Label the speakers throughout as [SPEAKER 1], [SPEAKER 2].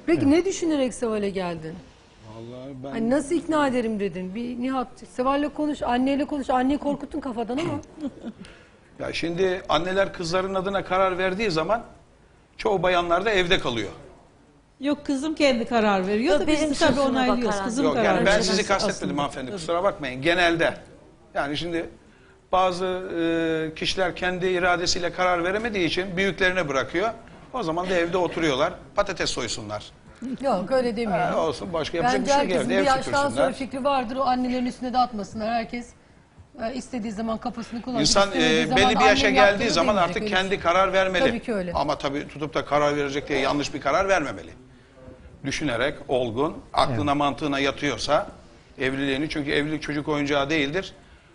[SPEAKER 1] Peki ne düşünerek Seval'e geldin?
[SPEAKER 2] Vallahi ben
[SPEAKER 1] Hani nasıl ikna ederim dedin? Bir Nihat, Seval'le konuş, anneyle konuş. Anneyi korkuttun kafadan ama.
[SPEAKER 2] ya şimdi anneler kızların adına karar verdiği zaman çoğu bayanlar da evde kalıyor.
[SPEAKER 3] Yok, kızım kendi karar veriyor
[SPEAKER 4] Yok,
[SPEAKER 3] da
[SPEAKER 4] benim
[SPEAKER 3] biz tabii
[SPEAKER 4] sözüme
[SPEAKER 3] onaylıyoruz.
[SPEAKER 4] bakarak.
[SPEAKER 3] Kızım
[SPEAKER 2] Yok
[SPEAKER 3] karar
[SPEAKER 2] yani ben
[SPEAKER 3] veriyor
[SPEAKER 2] sizi kastetmedim
[SPEAKER 3] aslında.
[SPEAKER 2] hanımefendi,
[SPEAKER 3] Tabii.
[SPEAKER 2] kusura bakmayın, genelde. Yani şimdi bazı kişiler kendi iradesiyle karar veremediği için büyüklerine bırakıyor. O zaman da evde oturuyorlar, patates soysunlar.
[SPEAKER 1] Yok öyle demiyorum.
[SPEAKER 2] Olsun, başka yapacak
[SPEAKER 1] Bence
[SPEAKER 2] bir şey yok,
[SPEAKER 1] herkesin
[SPEAKER 2] evde
[SPEAKER 1] bir
[SPEAKER 2] ev
[SPEAKER 1] yaştan sonra
[SPEAKER 2] süpürsünler.
[SPEAKER 1] fikri vardır. O annelerin üstüne de atmasınlar. Herkes istediği zaman kafasını kullanır.
[SPEAKER 2] İnsan
[SPEAKER 1] İstemediği zaman
[SPEAKER 2] belli bir yaşa
[SPEAKER 1] annem
[SPEAKER 2] geldiği
[SPEAKER 1] yaptığını
[SPEAKER 2] zaman
[SPEAKER 1] demeyecek,
[SPEAKER 2] artık
[SPEAKER 1] öyle
[SPEAKER 2] kendi
[SPEAKER 1] bir şey.
[SPEAKER 2] karar vermeli.
[SPEAKER 1] Tabii ki öyle.
[SPEAKER 2] Ama tabii tutup da karar verecek diye yanlış bir karar vermemeli. Düşünerek, olgun, aklına mantığına yatıyorsa evliliğini, çünkü evlilik çocuk oyuncağı değildir.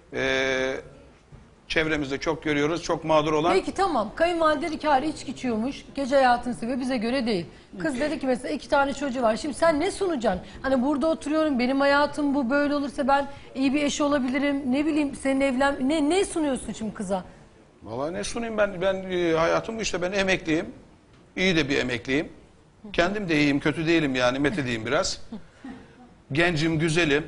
[SPEAKER 2] Çevremizde çok görüyoruz, çok mağdur olan.
[SPEAKER 1] Peki tamam. Kayınvalide dedi ki hayır, içki içiyormuş. Gece hayatını seviyor. Bize göre değil. Kız dedi ki mesela 2 tane çocuğu var. Şimdi sen ne sunacaksın? Hani burada oturuyorum. Benim hayatım bu. Böyle olursa ben iyi bir eş olabilirim. Ne bileyim senin ne sunuyorsun şimdi kıza?
[SPEAKER 2] Vallahi ne sunayım ben hayatım işte, ben emekliyim. İyi de bir emekliyim. Kendim de iyiyim, kötü değilim yani, metedeyim biraz. Gencim, güzelim.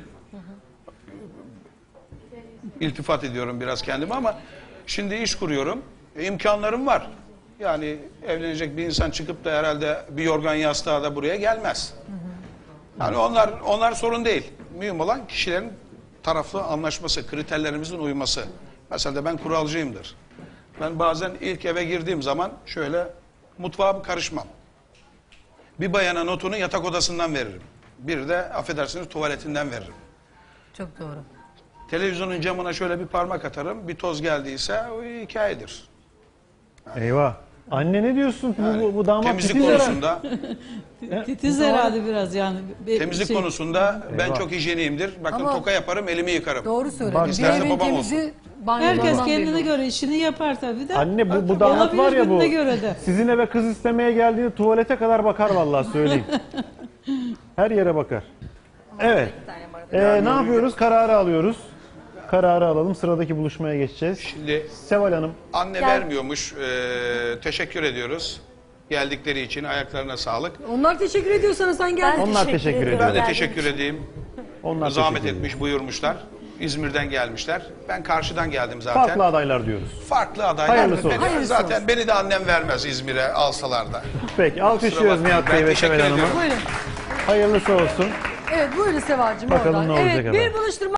[SPEAKER 2] İltifat ediyorum biraz kendime ama şimdi iş kuruyorum. İmkanlarım var. Yani evlenecek bir insan çıkıp da herhalde bir yorgan yastığa da buraya gelmez. Yani onlar sorun değil. Mühim olan kişilerin taraflı anlaşması, kriterlerimizin uyması. Mesela de ben kuralcıyımdır. Ben bazen ilk eve girdiğim zaman şöyle mutfağa karışmam. Bir bayana notunu yatak odasından veririm. Bir de affedersiniz tuvaletinden veririm.
[SPEAKER 1] Çok doğru.
[SPEAKER 2] Televizyonun camına şöyle bir parmak atarım. Bir toz geldiyse o hikayedir.
[SPEAKER 5] Eyvah. Anne ne diyorsun? Bu damat
[SPEAKER 2] Temizlik
[SPEAKER 5] titiz herhalde.
[SPEAKER 2] konusunda,
[SPEAKER 3] Titiz herhalde biraz yani.
[SPEAKER 2] temizlik
[SPEAKER 3] Şey,
[SPEAKER 2] konusunda ben
[SPEAKER 5] Eyvah.
[SPEAKER 2] çok hijyeniyimdir. Bakın
[SPEAKER 1] Ama-
[SPEAKER 2] toka yaparım, elimi yıkarım.
[SPEAKER 1] Doğru söyledin.
[SPEAKER 5] Bak,
[SPEAKER 1] Bir
[SPEAKER 2] isterse
[SPEAKER 1] evin
[SPEAKER 2] babam
[SPEAKER 1] temizi
[SPEAKER 3] herkes
[SPEAKER 1] banyodan
[SPEAKER 3] kendine
[SPEAKER 1] belli.
[SPEAKER 3] göre işini yapar tabii de.
[SPEAKER 5] Anne bu damat var ya bu.
[SPEAKER 3] Olabilir, göre de.
[SPEAKER 5] Sizin eve kız istemeye geldiğinde tuvalete kadar bakar vallahi söyleyeyim. Her yere bakar. Evet. Ne yapıyoruz? Kararı alıyoruz. Kararı alalım. Sıradaki buluşmaya geçeceğiz.
[SPEAKER 2] Şimdi
[SPEAKER 5] Seval Hanım.
[SPEAKER 2] anne vermiyormuş. Teşekkür ediyoruz. Geldikleri için ayaklarına sağlık.
[SPEAKER 1] Onlar teşekkür ediyor sana, sen gel.
[SPEAKER 5] Onlar teşekkür ediyor.
[SPEAKER 2] Ben de
[SPEAKER 4] Geldiğiniz
[SPEAKER 2] teşekkür edeyim.
[SPEAKER 5] Onlar
[SPEAKER 2] Zahmet
[SPEAKER 5] teşekkür ediyor.
[SPEAKER 2] etmiş, buyurmuşlar. İzmir'den gelmişler. Ben karşıdan geldim zaten.
[SPEAKER 5] Farklı adaylar diyoruz.
[SPEAKER 2] Farklı adaylar.
[SPEAKER 5] Hayırlısı olsun.
[SPEAKER 1] Hayırlısı
[SPEAKER 2] Zaten
[SPEAKER 1] olsun.
[SPEAKER 2] beni de annem vermez İzmir'e alsalar da.
[SPEAKER 5] Peki alkışlıyoruz
[SPEAKER 2] bakmayın,
[SPEAKER 5] Nihat
[SPEAKER 2] ben
[SPEAKER 5] Bey ve
[SPEAKER 2] teşekkür
[SPEAKER 5] Seval Hanım'ı.
[SPEAKER 2] ediyorum.
[SPEAKER 1] Buyurun.
[SPEAKER 5] Hayırlısı olsun.
[SPEAKER 1] Evet buyurun Sevacığım
[SPEAKER 5] Bakalım
[SPEAKER 1] oradan.
[SPEAKER 5] ne olacak
[SPEAKER 1] Evet
[SPEAKER 5] efendim.
[SPEAKER 1] bir buluşturma.